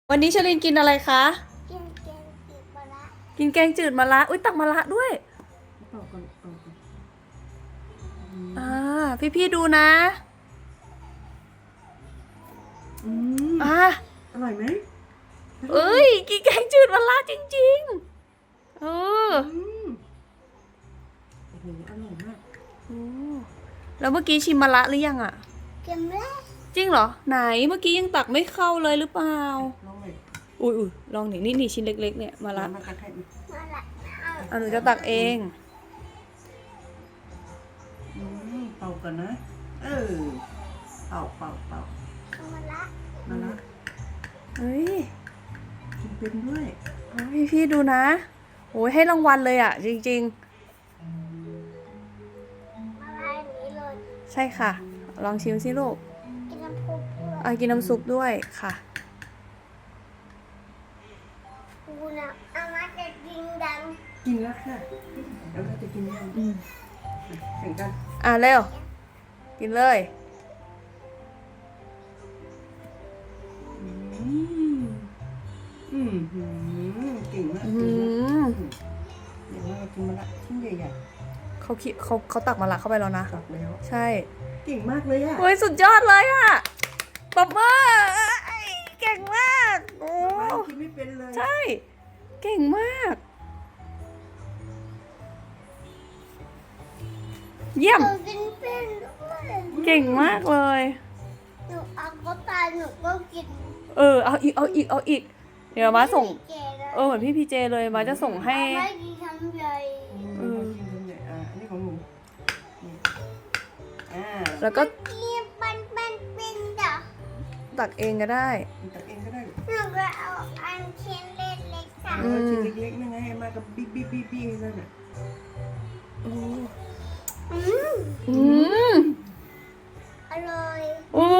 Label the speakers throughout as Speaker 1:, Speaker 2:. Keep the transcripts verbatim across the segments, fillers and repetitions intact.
Speaker 1: วันนี้ชลินกินอะไรคะ
Speaker 2: กินแกงจืดมะระ
Speaker 1: กินแกงจืดมะระอุ้ยตักมะระด้วย
Speaker 3: เป่าก่อนเป่าก่อน
Speaker 1: อ่าพี่พี่ดูนะ
Speaker 3: อืม
Speaker 1: อ่า
Speaker 3: อร่อยไหม
Speaker 1: เอ้ยกินแกงจืดมะระจริงๆเออ
Speaker 3: อืมโอ้โหอร่อยมาก
Speaker 1: โอ้แล้วเมื่อกี้ชิมมะระหรือยังอ่ะ
Speaker 2: กินแล้ว
Speaker 1: จริงเหรอไหนเมื่อกี้ยังตักไม่เข้าเลยหรือเปล่า
Speaker 3: ลองเลย
Speaker 1: อุ้ยอุ้ยลองหนินี่นี่ชิ้นเล็กๆเนี่ยมะระ
Speaker 3: มาตักให้ดิ
Speaker 2: มะระเอา
Speaker 1: อ่ะหนูจะตักเอง
Speaker 3: อืมเป่าก่อนนะ เออเป่าเป่าเป่าม
Speaker 2: ะระ
Speaker 3: มาละ
Speaker 1: เฮ้ย
Speaker 3: กินเป็นด้วย
Speaker 1: พี่พี่ดูนะโอ้ยให้รางวัลเลยอ่ะ จริง
Speaker 2: มะระอย่างนี้เลย
Speaker 1: ๆ ใช่ค่ะ ลองชิมสิลูก
Speaker 2: กินน้ำพุด้วย
Speaker 1: อ่ะกินน้ำซุปด้วยค่ะ
Speaker 2: กูนะอามาจะกินดัง
Speaker 3: กินแล้วค่ะแล้วเราจะกินยัง
Speaker 1: อืม
Speaker 3: แข่งกัน
Speaker 1: อ่ะเร็ว กินเลย
Speaker 3: อืมอืมอืมเก่งมาก
Speaker 1: อื
Speaker 3: เก่งมาก
Speaker 1: ม
Speaker 3: เดี๋ยวเรากินมาละชิ้นใหญ่
Speaker 1: เขาคิดเขาเขาตักมะระเข้าไปแล้วนะ
Speaker 3: ๆตักแล้ว
Speaker 1: ใช่
Speaker 3: เก่งมากเลยอ่ะ
Speaker 1: เฮ้ยสุดยอดเลยอ่ะปรบมือเอ้ยเก่งมากโอ้
Speaker 3: บ้านกินไม่เป็นเลย
Speaker 1: ใช่ เก่งมาก เยี่ยม
Speaker 2: หนูกินเป็นด้วย
Speaker 1: เก่งมากเลย
Speaker 2: หนูเอาก็ตายหนูก็กิน
Speaker 1: เออ เอาอีก เอาอีก เอาอีก เดี๋ยวมาส่ง
Speaker 2: เจเลย
Speaker 1: เออ เหมือนพี่พีเจเลย มาจะส่งให้
Speaker 2: เอาไม่กินคำใหญ่
Speaker 3: เออกินทำใหญ่อ่ะอันนี้ของหนูนี่อ่า
Speaker 1: แล้วก็
Speaker 2: กินปันปันเป็นเด้อ
Speaker 1: ตักเองก็ได้
Speaker 3: ตักเองก็ได้
Speaker 2: หนูก็เอาอันเชิ้นเล็กๆสั่ง
Speaker 3: เอาชิ้นเล็กๆนั่นไงให้มากับบิ๊กบิ๊กบิ๊กบิ๊กนั่นน่ะ
Speaker 2: อืม
Speaker 1: อืม
Speaker 2: อร่อย
Speaker 1: โอ้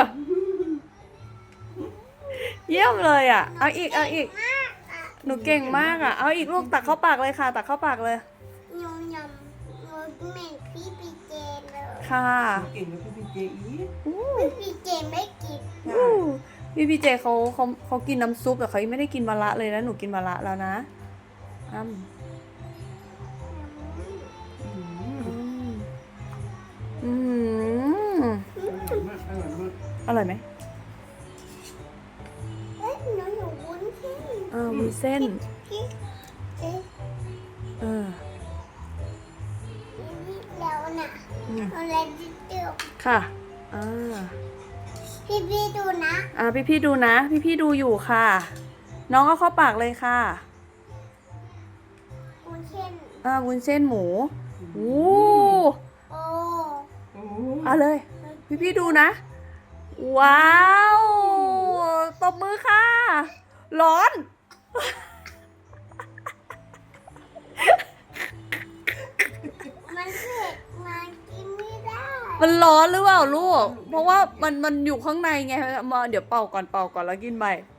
Speaker 1: เยี่ยมเลยอ่ะ เอาอีก เอาอีก
Speaker 2: มากอ่ะ
Speaker 1: หนูเก่งมากอ่ะ เอาอีกลูกตักเข้าปากเลยค่ะ ตักเข้าปากเลย
Speaker 2: ยำยำหนูเหม็นพี่ปีเจเลย
Speaker 1: ค่ะ
Speaker 3: เก่งกับพี่พีเจอีก
Speaker 1: อู้
Speaker 2: พี่ปีเจไม่กิน
Speaker 1: อู้พี่พีเจเขาเขาเขากินน้ำซุปแต่เขายังไม่ได้กินมะระเลยนะ หนูกินมะระแล้วนะอ้ำ
Speaker 3: อืม
Speaker 1: อืมอืม
Speaker 3: อร่อยมากอร่อยมาก
Speaker 1: อร่อยไหม
Speaker 2: เอ้ยหนูอยู่วุ้นเส้น
Speaker 1: อ่าวุ้นเส้น
Speaker 2: พี่เอ๊ะ
Speaker 1: เออ
Speaker 2: นี่แล้วน่ะ
Speaker 1: อืม
Speaker 2: อะไรดิเดียว
Speaker 1: ค่ะ อ่า
Speaker 2: พี่พี่ดูนะ
Speaker 1: อ่าพี่พี่ๆดูนะ พี่พี่ๆดูอยู่ค่ะ น้องเอาเข้าปากเลยค่ะ
Speaker 2: วุ้นเส้น
Speaker 1: อ่าวุ้นเส้นหมูอู้
Speaker 2: โอ้
Speaker 3: โอ้
Speaker 1: เอาเลย พี่พี่ๆดูนะ ว้าวตบมือค่ะ ร้อน
Speaker 2: มันเผ็ดมันกินไม่ได้
Speaker 1: มันร้อนหรือเปล่าลูก เพราะว่ามันมันอยู่ข้างในไงมาเดี๋ยวเป่าก่อนเป่าก่อนแล้วกินไป